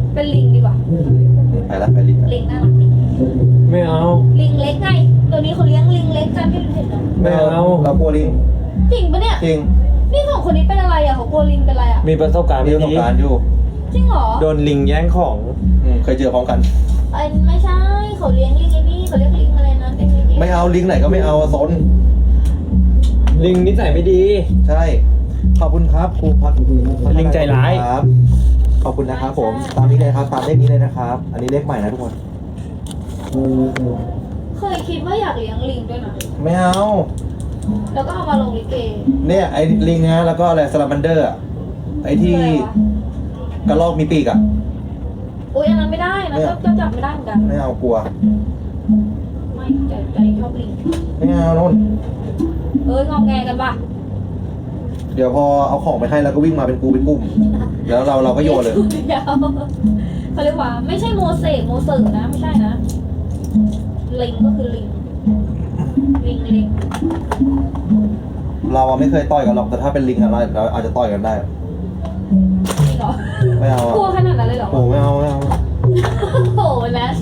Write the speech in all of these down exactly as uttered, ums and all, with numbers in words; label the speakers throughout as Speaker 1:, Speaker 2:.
Speaker 1: เป็นลิงดีกว่า
Speaker 2: ไปละไปลิงละ
Speaker 1: ลิงน่ารักดี
Speaker 3: ไม่เอา
Speaker 1: ลิงเล็กไงตัวนี้เขาเลี้ยงลิงเล็กกันที่เห็นเหรอ
Speaker 3: ไม่เอา
Speaker 2: เรากลัวลิง
Speaker 1: จริงปะเนี่ย
Speaker 2: จริง
Speaker 1: นี่ของคนนี้เป็นอะไรอ่ะเขากลัวลิงเป็นอะไรอ่ะ
Speaker 3: มีประสบการณ์
Speaker 2: มี
Speaker 3: ไม่
Speaker 2: ประสบ
Speaker 3: ดี
Speaker 2: การณ์อยู่
Speaker 1: จริงเหรอ
Speaker 3: โดนลิงแย่งของ
Speaker 2: อืมเคยเจอพร้อมกัน
Speaker 1: ไอ้ไม่ใช่เขาเลี้ยงลิงไอ้นี่เขาเลี้ยงลิงอะไรนะเป็นลิง
Speaker 2: ไม่เอาลิงไหนก็ไม่เอาซน
Speaker 3: ลิงนิสัยไม่ดี
Speaker 2: ใช่ขอบคุณครับครูพัก
Speaker 3: ลิงใจร้าย
Speaker 2: ครับขอบคุณนะครับผมตามนี้เลยครับตามเลขนี้เลยนะครับ อันนี้เลขใหม่นะทุกคน
Speaker 1: เคยคิดว่าอยากเลี้ยงลิงด้วยนะ
Speaker 2: ไม่เอา
Speaker 1: แล้วก็เอามาลงลิเก
Speaker 2: เนี่ยไอ้ลิงนะแล้วก็อะไรสลามันเดอร์อะไอ้ที่
Speaker 1: คืออะไรวะ
Speaker 2: กระรอกมีปีกอ่ะ
Speaker 1: อุ้ยอันนั้นไม่ได้นะ
Speaker 2: เนี่ย
Speaker 1: ก็ก็จับไม่ได้เหมือนกัน
Speaker 2: ไม่เอากลัว
Speaker 1: ไม่ใจใจชอบลิง
Speaker 2: ไม่เอานุ่น
Speaker 1: เอ้ยงองแงกันปะ
Speaker 2: เดี๋ยวพอเอาของไปให้แล้วก็วิ่งมาเป็นกูเป็นกลุ่มแล้วเราเราก็โยนเลย
Speaker 1: เดี๋ยวเขาเรียกว่า ไม่ใช่โมเสกโมเสกนะไม่ใช่นะลิงก็คือลิงลิงลิง
Speaker 2: เราอะไม่เคยต่อยกันหรอกแต่ถ้าเป็นลิงอะเราเราอาจจะต่อยกันได้
Speaker 1: จริงเหรอ
Speaker 2: ไม่เอา
Speaker 1: กลัว
Speaker 2: อะ
Speaker 1: ขนาดนั้นเลยเหรอ
Speaker 2: โอ้ไม่เอาไม่เอา
Speaker 1: โอ้โหนะ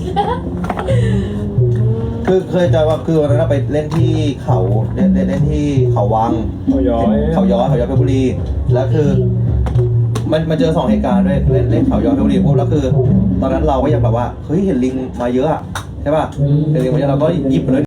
Speaker 2: คือเคยเจอว่าคือวันนั้นเราไปเล่นที่เขาเล่นเล่นเล่นที่เขาวัง
Speaker 3: เขาย้อย
Speaker 2: เขาย้อยเขาย้อยเพชรบุรีแล้วคือ มันมันเจอสองเหตุการณ์ด้วยเล่นเล่นเขาย้อยเพชรบุรีปุ๊บแล้วคือ ตอนนั้นเราก็ยังแบบว่าเฮ้ยเห็นลิงมาเยอะอะใช่ป่ะเห็นลิงมาเยอะเราก็หยิบไปเลย